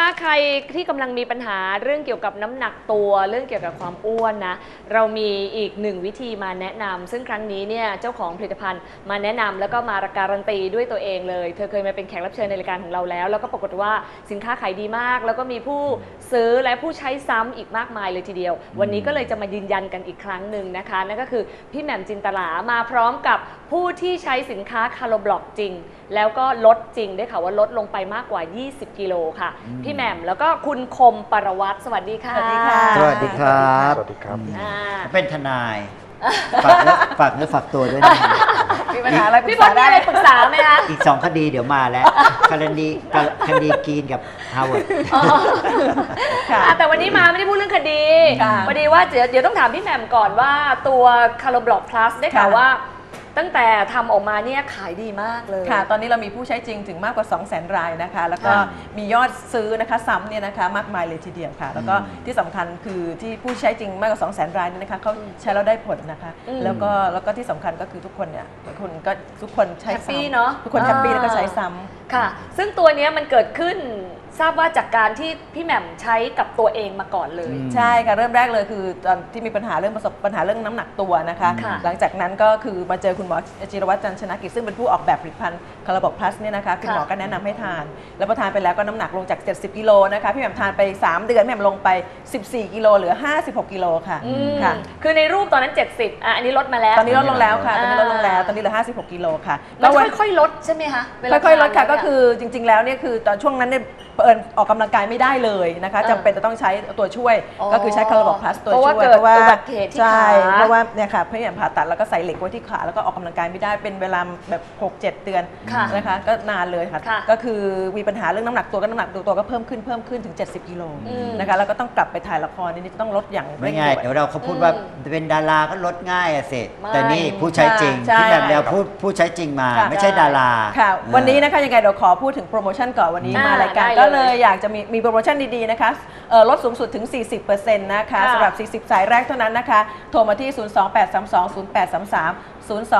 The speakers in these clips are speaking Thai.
ใครที่กำลังมีปัญหาเรื่องเกี่ยวกับน้ำหนักตัวเรื่องเกี่ยวกับความอ้วนนะเรามีอีกหนึ่งวิธีมาแนะนำซึ่งครั้งนี้เนี่ยเจ้าของผลิตภัณฑ์มาแนะนำแล้วก็มาการันตีด้วยตัวเองเลยเธอเคยมาเป็นแขกรับเชิญในรายการของเราแล้วก็ปรากฏว่าสินค้าขายดีมากแล้วก็มีผู้ซื้อและผู้ใช้ซ้ำอีกมากมายเลยทีเดียววันนี้ก็เลยจะมายืนยันกันอีกครั้งหนึ่งนะคะนั่นก็คือพี่แหม่มจินตลามาพร้อมกับผู้ที่ใช้สินค้าคาร์โลบล็อกจริงแล้วก็ลดจริงได้ค่ะว่าลดลงไปมากกว่า20 กิโลค่ะพี่แหม่มแล้วก็คุณคมปรวัตรสวัสดีค่ะสวัสดีค่ะสวัสดีครับสวัสดีครับเป็นทนายฝากเนื้อฝากตัวด้วยนะมีปัญหาอะไรพี่บอลมีอะไรปรึกษาไหมคะอีก2 คดีเดี๋ยวมาแล้วคดีกรีนกับฮาร์วาร์ดแต่วันนี้มาไม่ได้พูดเรื่องคดีค่ะพอดีว่าเดี๋ยวต้องถามพี่แหม่มก่อนว่าตัวคาร์โลบล็อกพลัสได้ข่าวว่าตั้งแต่ทำออกมาเนี่ยขายดีมากเลยค่ะตอนนี้เรามีผู้ใช้จริงถึงมากกว่า 200,000 รายนะคะแล้วก็มียอดซื้อนะคะซ้ำเนี่ยนะคะมากมายเลยทีเดียวค่ะแล้วก็ที่สำคัญคือที่ผู้ใช้จริงมากกว่า 200,000 รายเนี่ยนะคะเขาใช้แล้วได้ผลนะคะแล้วก็ที่สำคัญก็คือทุกคนเนี่ยทุกคนใช้ซ้ำทุกคนแฮปปี้แล้วก็ใช้ซ้ำค่ะซึ่งตัวนี้มันเกิดขึ้นทราบว่าจากการที่พี่แหม่มใช้กับตัวเองมาก่อนเลยใช่ค่ะเริ่มแรกเลยคือตอนที่มีปัญหาเรื่องประสบปัญหาเรื่องน้ำหนักตัวนะคะหลังจากนั้นก็คือมาเจอคุณหมอจิรวัตรจันทร์ชนะกิจซึ่งเป็นผู้ออกแบบผลิตภัณฑ์คาร์บอนพลัสเนี่ยนะคะคุณหมอก็แนะนำให้ทานแล้วพอทานไปแล้วก็น้ำหนักลงจาก70 กิโลนะคะพี่แหม่มทานไป3 เดือนพี่แหม่มลงไป14 กิโลเหลือ56 กิโลค่ะค่ะคือในรูปตอนนั้น70อันนี้ลดมาแล้วตอนนี้ลดลงแล้วค่ะตอนนี้ลดลงแล้วตอนนี้เหลือ56 กิโลค่ะแล้วค่อยๆลดใช่ไหมคะค่อยๆลดค่ะก็คือจริงๆแล้วเนี่ยคือตอนช่วงนั้นเนี่ยออกกำลังกายไม่ได้เลยนะคะจำเป็นจะต้องใช้ตัวช่วยก็คือใช้คาร์บอนพลัสตัวช่วยเพราะว่าอุบัติเหตุที่ขาเพราะว่าเนี่ยค่ะพี่แหม่มผ่าตัดแล้วก็ใส่เหล็กไว้ที่ขาแล้วก็ออกกำลังกายไม่ได้เป็นเวลาแบบ 6-7 เดือนนะคะก็นานเลยค่ะก็คือมีปัญหาเรื่องน้ำหนักตัวก็น้ำหนักตัวก็เพิ่มขึ้นถึง70 กิโลนะคะแล้วก็ต้องกลับไปถ่ายละครนี่จะต้องลดอย่างไม่ง่ายเดี๋ยวเราเขาพูดว่าเป็นดาราก็ลดง่ายอะสิแต่นี่ผู้ใช้จริงที่แบบเราผู้ใช้จริงมาไม่ใช่ดาราค่ะวันนี้นะคะยังไงเดี๋ยวขอพูดถึงโปรโมชั่นก่อนวันนี้มารายการก็เลยอยากจะมีโปรโมชั่นดีๆนะคะลดสูงสุดถึง 40% นะคะสำหรับ40 สายแรกเท่านั้นนะคะโทรมาที่ 028320833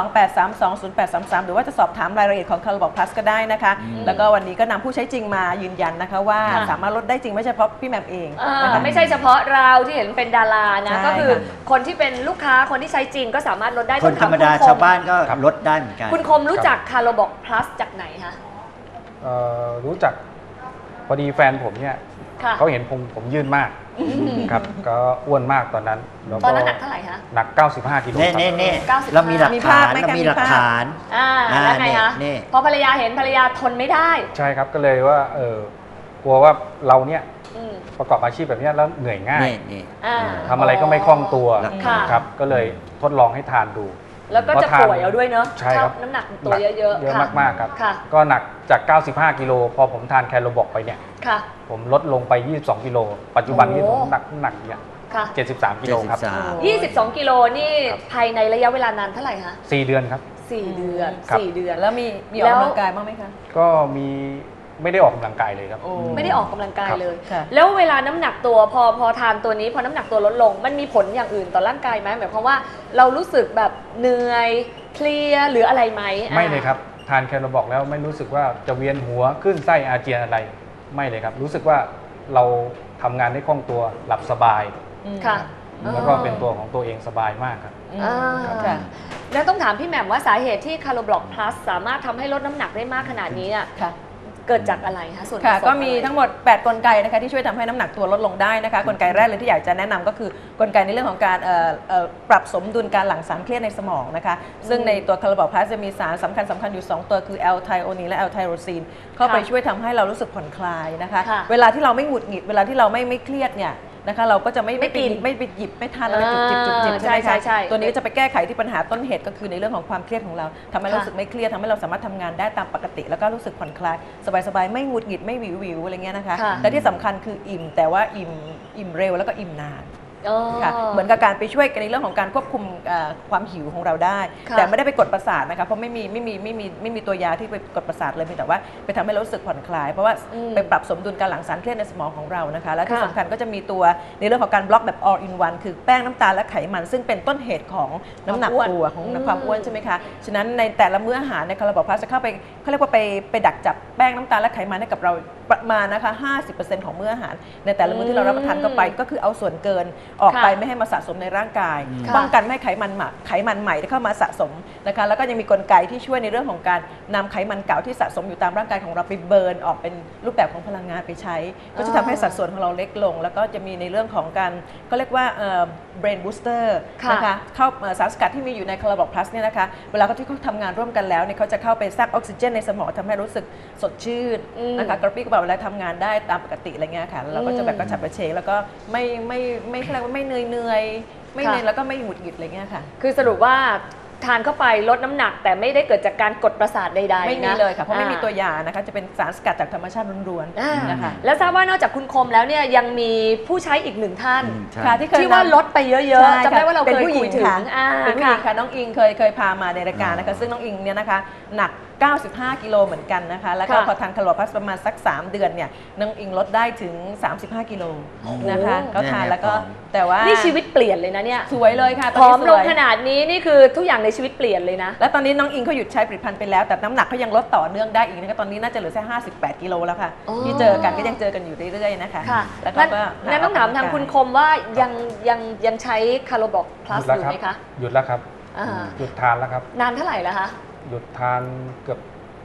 028320833 หรือว่าจะสอบถามรายละเอียดของคาร์บอนพลัสก็ได้นะคะแล้วก็วันนี้ก็นำผู้ใช้จริงมายืนยันนะคะว่าสามารถลดได้จริงไม่ใช่เฉพาะพี่แหม่มเองนะคะไม่ใช่เฉพาะเราที่เห็นเป็นดารานะก็คือคนที่เป็นลูกค้าคนที่ใช้จริงก็สามารถลดได้คนธรรมดาชาวบ้านก็ลดได้เหมือนกันคุณคมรู้จักคาร์บอนพลัสจากไหนคะรู้จักพอดีแฟนผมเนี่ยเขาเห็นผมยืนมากครับก็อ้วนมากตอนนั้นตอนนั้นหนักเท่าไหร่คะหนัก95 กิโลครับเรามีหลักฐานแล้วไงคะพอภรรยาเห็นภรรยาทนไม่ได้ใช่ครับก็เลยว่ากลัวว่าเราเนี่ยประกอบอาชีพแบบนี้แล้วเหนื่อยง่ายทำอะไรก็ไม่คล่องตัวครับก็เลยทดลองให้ทานดูแล้วก็จะป่วยเอาด้วยเนาะใช่ครับน้ำหนักตัวเยอะๆเยอะมากๆครับก็หนักจาก95 กิโลพอผมทานแคลโรบอกไปเนี่ยผมลดลงไป22 กิโลปัจจุบันนี้ผมหนักเนี่ย73 กิโลครับ 22 กิโลนี่ภายในระยะเวลานานเท่าไหร่คะ 4 เดือนครับ 4 เดือน4 เดือนแล้วมีออกกำลังกายบ้างไหมคะก็มีไม่ได้ออกกำลังกายเลยครับไม่ได้ออกกำลังกายเลยแล้วเวลาน้ำหนักตัวพอทานตัวนี้พอน้ำหนักตัวลดลงมันมีผลอย่างอื่นต่อร่างกายไหมหมายความว่าเรารู้สึกแบบเหนื่อยเพลียหรืออะไรไหมไม่เลยครับทานแคลบอกแล้วไม่รู้สึกว่าจะเวียนหัวขึ้นไส้อาเจียนอะไรไม่เลยครับรู้สึกว่าเราทำงานได้คล่องตัวหลับสบายค่ะแล้วก็เป็นตัวของตัวเองสบายมากครับแล้วต้องถามพี่แหม่มว่าสาเหตุที่คาร์บอนพลัสสามารถทำให้ลดน้ำหนักได้มากขนาดนี้เกิดจากอะไรคะส่วนก็มีทั้งหมด8กลไกนะคะที่ช่วยทำให้น้ำหนักตัวลดลงได้นะคะกลไกแรกเลยที่อยากจะแนะนำก็คือกลไกในเรื่องของการปรับสมดุลการหลั่งสารเครียดในสมองนะคะซึ่งในตัวคาร์บอนพลัสจะมีสารสำคัญอยู่2ตัวคือแอลไทโอนีนและแอลไทโรซีนเข้าไปช่วยทำให้เรารู้สึกผ่อนคลายนะคะเวลาที่เราไม่หงุดหงิดเวลาที่เราไม่เครียดเนี่ยนะคะเราก็จะไม่ไปหยิบไม่ทานอะไรจุบใช่ไหมคะตัวนี้จะไปแก้ไขที่ปัญหาต้นเหตุก็คือในเรื่องของความเครียดของเราทำให้รู้สึกไม่เครียดทำให้เราสามารถทำงานได้ตามปกติแล้วก็รู้สึกผ่อนคลายสบายไม่หงุดหงิดไม่วิวอะไรเงี้ยนะคะและที่สำคัญคืออิ่มแต่ว่าอิ่มเร็วแล้วก็อิ่มนานค่ะเหมือนกับการไปช่วยในเรื่องของการควบคุมความหิวของเราได้ แต่ไม่ได้ไปกดประสาทนะคะเพราะไม่มีตัวยาที่ไปกดประสาทเลยมีแต่ว่าไปทำให้เรารู้สึกผ่อนคลายเพราะว่าไปปรับสมดุลการหลั่งสารเครียดในสมองของเรานะคะและที่สำคัญก็จะมีตัวในเรื่องของการบล็อกแบบ all in one คือแป้งน้ำตาลและไขมันซึ่งเป็นต้นเหตุของน้ำหนักตัวของความอ้วนใช่ไหมคะฉะนั้นในแต่ละมื้ออาหารในคาราบอพลัสจะเข้าไปเขาเรียกว่าไปดักจับแป้งน้ำตาลและไขมันให้กับเราประมาณนะคะ 50% ของมื้ออาหารในแต่ละมื้อที่เรารับประทานเข้าไปก็คือเอาส่วนเกินออกไปไม่ให้มาสะสมในร่างกายป้องกันไม่ให้ไขมันใหม่เข้ามาสะสมนะคะแล้วก็ยังมีกลไกที่ช่วยในเรื่องของการนำไขมันเก่าที่สะสมอยู่ตามร่างกายของเราไปเบิร์นออกเป็นรูปแบบของพลังงานไปใช้ก็จะทำให้สัดส่วนของเราเล็กลงแล้วก็จะมีในเรื่องของการก็เรียกว่าbrain booster นะคะเข้าสารสกัดที่มีอยู่ในคาราบอพลัสเนี่ยนะคะเวลาที่เขาทำงานร่วมกันแล้วเนี่ยเขาจะเข้าไปสร้างออกซิเจนในสมองทำให้รู้สึกสดชื่นนะคะกระปรี้กระเป๋าเวลาทำงานได้ตามปกติอะไรเงี้ยค่ะเราก็จะแบบกระฉับกระเฉงแล้วก็ไม่เรียกว่าไม่เหนื่อยไม่เหนื่อยแล้วก็ไม่หงุดหงิดอะไรเงี้ยค่ะคือสรุปว่าทานเข้าไปลดน้ำหนักแต่ไม่ได้เกิดจากการกดประสาทใดๆไม่มีเลยค่ะเพราะไม่มีตัวยานะคะจะเป็นสารสกัดจากธรรมชาติล้วนๆนะคะแล้วทราบว่านอกจากคุณคมแล้วเนี่ยยังมีผู้ใช้อีกหนึ่งท่านค่ะที่ว่าลดไปเยอะๆจำได้ว่าเราเคยคุยถึงเป็นผู้หญิงค่ะน้องอิงเคยพามาในรายการนะคะซึ่งน้องอิงเนี่ยนะคะหนัก95 กิโลเหมือนกันนะคะแล้วก็พอทานคาราบอพลัสประมาณสัก3 เดือนเนี่ยน้องอิงลดได้ถึง35 กิโลนะคะก็ทานแล้วก็แต่ว่านี่ชีวิตเปลี่ยนเลยนะเนี่ยสวยเลยค่ะผอมลงขนาดนี้นี่คือทุกอย่างในชีวิตเปลี่ยนเลยนะแล้วตอนนี้น้องอิงเขาหยุดใช้ผลิตภัณฑ์ไปแล้วแต่น้ำหนักเขายังลดต่อเนื่องได้อีกนะคะตอนนี้น่าจะเหลือแค่58 กิโลแล้วค่ะที่เจอกันก็ยังเจอกันอยู่เรื่อยๆนะคะแล้วก็นั่นต้องถามทางคุณคมว่ายังใช้คาราบอพลัสอยู่ไหมคะหยุดแล้วครับหยุดทานแล้วครับนานเท่าไหร่แล้วคะหยุดทานเกือบ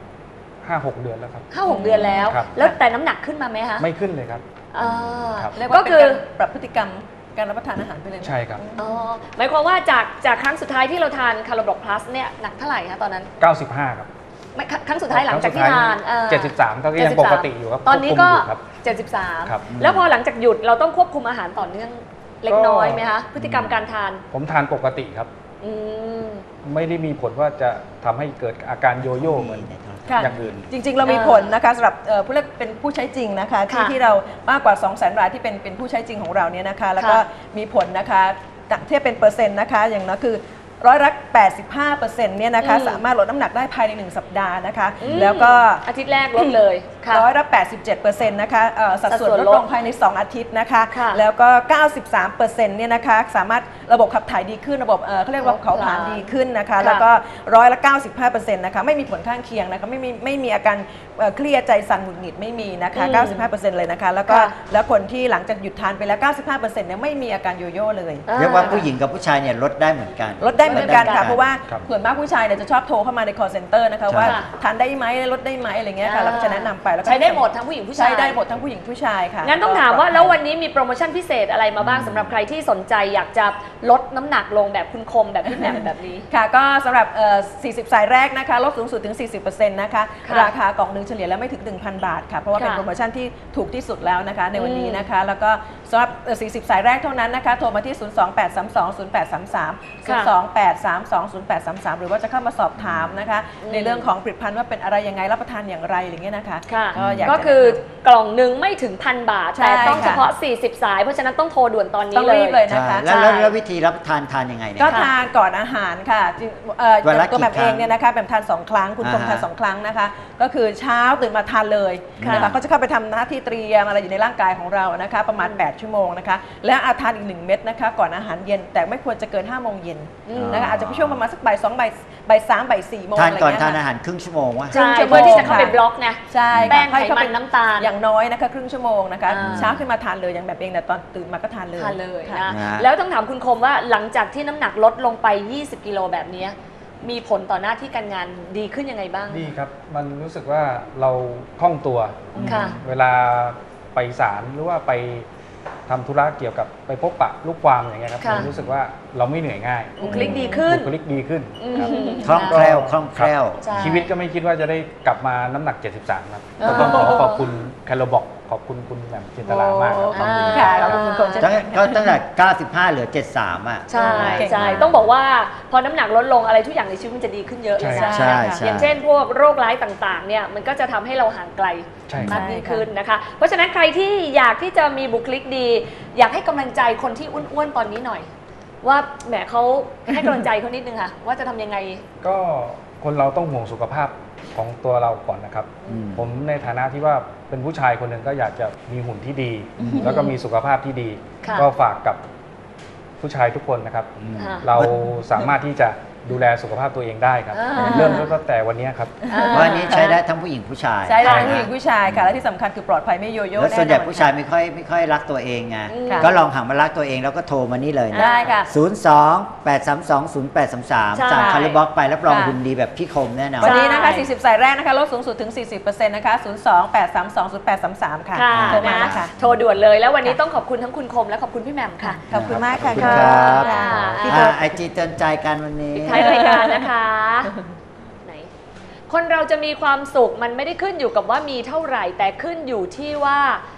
5-6 เดือนแล้วครับ 5-6 เดือนแล้วแล้วแต่น้ำหนักขึ้นมาไหมคะไม่ขึ้นเลยครับก็คือปรับพฤติกรรมการรับประทานอาหารไปเลยใช่ครับหมายความว่าจากครั้งสุดท้ายที่เราทานคาราบอพลัสเนี่ยหนักเท่าไหร่คะตอนนั้น 95ครับครั้งสุดท้ายหลังจากที่ทาน 73ก็ยังปกติอยู่ครับตอนนี้ก็73แล้วพอหลังจากหยุดเราต้องควบคุมอาหารต่อเนื่องเล็กน้อยไหมคะพฤติกรรมการทานผมทานปกติครับไม่ได้มีผลว่าจะทำให้เกิดอาการโยโย่เหมือนอย่างอื่นจริงๆเรามีผลนะคะสำหรับผู้เล่นเป็นผู้ใช้จริงนะคะที่เรามากกว่า 200,000 รายที่เป็นผู้ใช้จริงของเราเนี่ยนะคะแล้วก็มีผลนะคะเทียบเป็นเปอร์เซ็นต์นะคะอย่างนั้นคือ85%เนี่ยนะคะสามารถลดน้ำหนักได้ภายใน1 สัปดาห์นะคะแล้วก็อาทิตย์แรกลดเลย 87%นะคะสัดส่วนลดลงภายใน2 อาทิตย์นะคะแล้วก็93%เนี่ยนะคะสามารถระบบขับถ่ายดีขึ้นระบบเขาเรียกว่าเผาผลาญดีขึ้นนะคะแล้วก็95%นะคะไม่มีผลข้างเคียงนะคะไม่มีอาการเครียดใจสั่นหงุดหงิดไม่มีนะคะ95%เลยนะคะแล้วคนที่หลังจากหยุดทานไปแล้ว95%เนี่ยไม่มีอาการโยโย่เลยเรียกว่าผู้หญิงกับผู้ชายเนี่ยลดได้เหมือนกันลดได้เหมือนกันค่ะเพราะว่าส่วนมากผู้ชายเนี่ยจะชอบโทรเข้ามาใน call center นะคะว่าทานได้ไหมลดได้ไหมอะไรเงี้ยค่ะเราก็จะแนะนำไปแล้วใช้ได้หมดทั้งผู้หญิงผู้ชายใช้ได้หมดทั้งผู้หญิงผู้ชายค่ะงั้นต้องถามว่าแล้ววันนี้มีโปรโมชั่นพิเศษอะไรมาบ้างสำหรับใครที่สนใจอยากจะลดน้ำหนักลงแบบคุณคมแบบพี่แหม่มแบบนี้ค่ะก็สำหรับ40 สายแรกนะคะลดสูงสุดถึง 40% นะคะราคากล่องนึงเฉลี่ยแล้วไม่ถึง 1,000 บาทค่ะเพราะว่าเป็นโปรโมชั่นที่ถูกที่สุดแล้วนะคะในวันนี้นะคะแล้วก็สำหรับ40 สายแรกเท่านั้นนะคะโทรมาที่ 028320833 028320833 หรือว่าจะเข้ามาสอบถามนะคะในเรื่องของผลิตภัณฑ์ว่าเป็นอะไรยังไงรับประทานอย่างไรอย่างเงี้ยนะคะก็คือกล่องหนึ่งไม่ถึง1,000 บาทแต่ต้องเฉพาะ40 สายเพราะฉะนั้นต้องโทรด่วนตอนนี้เลยนะคะแล้ววิธีรับทานยังไงเนี่ยก็ทานก่อนอาหารค่ะตัวแบบเองเนี่ยนะคะแบบทาน2 ครั้งคุณคมทาน2 ครั้งนะคะก็คือเช้าตื่นมาทานเลยนะคะก็จะเข้าไปทำหน้าที่เตรียมอะไรอยู่ในร่างกายของเรานะคะประมาณ8 ชั่วโมงนะคะและทานอีก1 เม็ดนะคะก่อนอาหารเย็นแต่ไม่ควรจะเกิน5 โมงเย็นนะคะอาจจะช่วงประมาณสักบ่าย 2 บ่าย 3 บ่าย 4 โมงทานก่อนทานอาหารครึ่งชั่วโมงวะใช่เพื่อที่จะเข้าไปบล็อกไงใช่แป้งไขมันน้ำตาลอย่างน้อยนะคะครึ่งชั่วโมงนะคะเช้าขึ้นมาทานเลยอย่างแบบเองแต่ตอนตื่นมาก็ทานเลยนะแล้วต้องถามคุณคมว่าหลังจากที่น้ำหนักลดลงไป20 กิโลแบบนี้มีผลต่อหน้าที่การงานดีขึ้นยังไงบ้างดีครับมันรู้สึกว่าเราคล่องตัวเวลาไปศาลหรือว่าไปทำธุระเกี่ยวกับไปพบปะลูกความอย่างเงี้ยครับรู้สึกว่าเราไม่เหนื่อยง่ายบุคลิกดีขึ้นคล่องแคล่วชีวิตก็ไม่คิดว่าจะได้กลับมาน้ำหนัก73ครับก็ต้องขอขอบคุณแคลโรบอกขอบคุณคุณแหม่มจินตลามากครับขอบคุณค่ะขอบคุณคุณคงเช่นก็กันตั้งแต่95เหลือ73อ่ะใช่เก่งมากใช่ต้องบอกว่าพอน้ำหนักลดลงอะไรทุกอย่างในชีวิตมันจะดีขึ้นเยอะเลยนะใช่ใช่อย่างเช่นพวกโรคร้ายต่างๆเนี่ยมันก็จะทำให้เราห่างไกลใช่มากยิ่งขึ้นนะคะ เพราะฉะนั้นใครที่อยากที่จะมีบุคลิกดี อยากให้กำลังใจคนที่อ้วนๆตอนนี้หน่อย ว่าแหมเขาให้กำลังใจเขานิดนึงค่ะ ว่าจะทำยังไงก็คนเราต้องห่วงสุขภาพของตัวเราก่อนนะครับอืมผมในฐานะที่ว่าเป็นผู้ชายคนหนึ่งก็อยากจะมีหุ่นที่ดี แล้วก็มีสุขภาพที่ดีค่ะก็ฝากกับผู้ชายทุกคนนะครับค่ะเราสามารถที่จะดูแลสุขภาพตัวเองได้ครับอ่าเริ่มตั้งแต่วันนี้ครับว่าอันนี้ใช้ได้ทั้งผู้หญิงผู้ชายใช่ได้ทั้งผู้หญิงผู้ชายค่ะ และที่สำคัญคือปลอดภัยไม่โยโย่แล้วแน่นอนส่วนใหญ่ผู้ชายไม่ค่อยรักตัวเองไงค่ะก็ลองหันมารักตัวเองแล้วก็โทรมานี่เลยนะได้ค่ะ 02-832-0833 ใช่จากคาร์บล็อกไปรับรองค่ะหุ่นดีแบบพี่คมแน่นอนวันนี้นะคะ 40 สายแรกนะคะ ลดสูงสุดถึง 40%นะคะ 02-832-0833 ค่ะค่ะโทรมานะนะคะโทรด่วนเลยแล้ววันนี้ต้องขอบคุณทั้งคุณคมและขอบคุณพี่แหม่มค่ะขอบคุณมากค่ะขอบคุณครับค่ะพี่โทรไอจีเตือนใจกันวันนี้ท้ายรายการนะคะไหนคนเราจะมีความสุขมันไม่ได้ขึ้นอยู่กับว่ามีเท่าไหร่ แต่ขึ้นอยู่ที่ว่า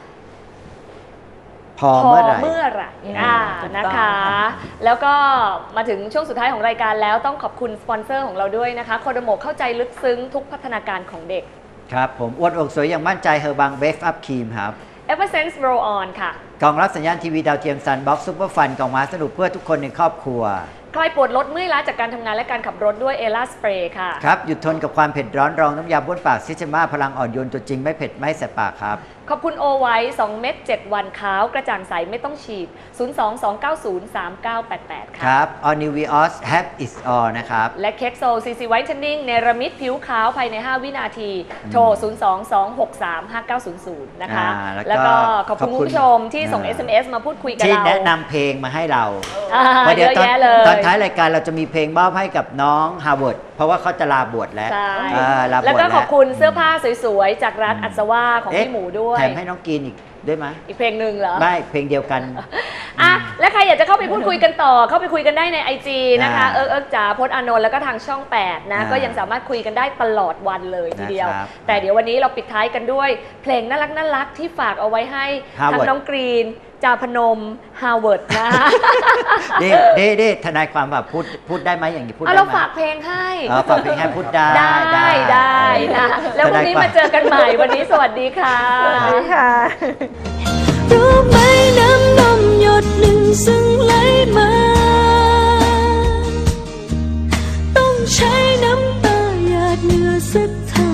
พอเมื่อไหร่เมื่อไหร่ถูกนะต้องคะค่ะแล้วก็มาถึงช่วงสุดท้ายของรายการแล้วต้องขอบคุณสปอนเซอร์ของเราด้วยนะคะโคโดโมเข้าใจลึกซึ้งทุกพัฒนาการของเด็กครับผมอ้วนอกสวยอย่างมั่นใจเฮอร์บังเบฟอัพครีมครับ e v e r s e n s e Roll On ค่ะกล่องรับสัญญาณทีวีดาวเทียมซันบ็อกซูเปอร์ฟันกล่องมาสนุกเพื่อทุกคนในครอบครัวคลายปวดลดเมื่อยล้าจากการทำงานและการขับรถด้วยเอล่าสเปรย์ค่ะครับ หยุดทนกับความเผ็ดร้อนรองน้ำยาบ้วนปากซิชมาพลังอ่อนโยนตัวจริงไม่เผ็ดไม่แสบปากครับขอบคุณโอไว้ 2 เม็ด 7 วันขาวกระจ่างใสไม่ต้องฉีด 022903988 คค่ะรับ All New Vios Have Is All นะครับและเค้กโซซีซีไวท์เทนนิ่งเนรมิตผิวขาวภายใน 5 วินาที โทร 022635900 นะคะแล้วก็ขอบคุณคุณผู้ชมที่ส่ง SMS มาพูดคุยกับที่เราแนะนำเพลงมาให้เราเพราะเยอะแยะเลยตอนท้ายรายการเราจะมีเพลงมอบให้กับน้องฮาร์วาร์ดเพราะว่าเขาจะลาบวชแล้วใช่ลาบวชแล้วก็แล้วขอบคุณเสื้อผ้าสวยๆ จากร้านอัศวาของพี่หมูด้วยแถมให้น้องกินอีกด้วยไหมอีกเพลงหนึ่งเหรอไม่เพลงเดียวกันอ่ะและใครอยากจะเข้าไปพูดคุยกันต่อ เข้าไปคุยกันได้ใน IG นะคะอ่าเอิ๊กจ๋าพจน์อานนท์แล้วก็ทางช่อง 8 นะอ่าก็ยังสามารถคุยกันได้ตลอดวันเลยทีเดียวนะครับแต่เดี๋ยววันนี้เราปิดท้ายกันด้วย เพลงน่ารักที่ฝากเอาไว้ให้ทั้ง Harvard น้องกรีน จาพนม ฮาร์วาร์ดนะนี่ทนายความแบบพูดได้ไหมอย่างนี้พูดเอาได้เราไหมฝากเพลงให้ฝากเพลงให้พูดได้ได้นะ แล้วพรุ่งนี้มาเจอกันใหม่วันนี้สวัสดีค่ะค่ะรู้ไหมน้ำนมหยดหนึ่งซึ่งไหลมา ต้องใช้น้ำตาหยาดเหงื่อสักเท่า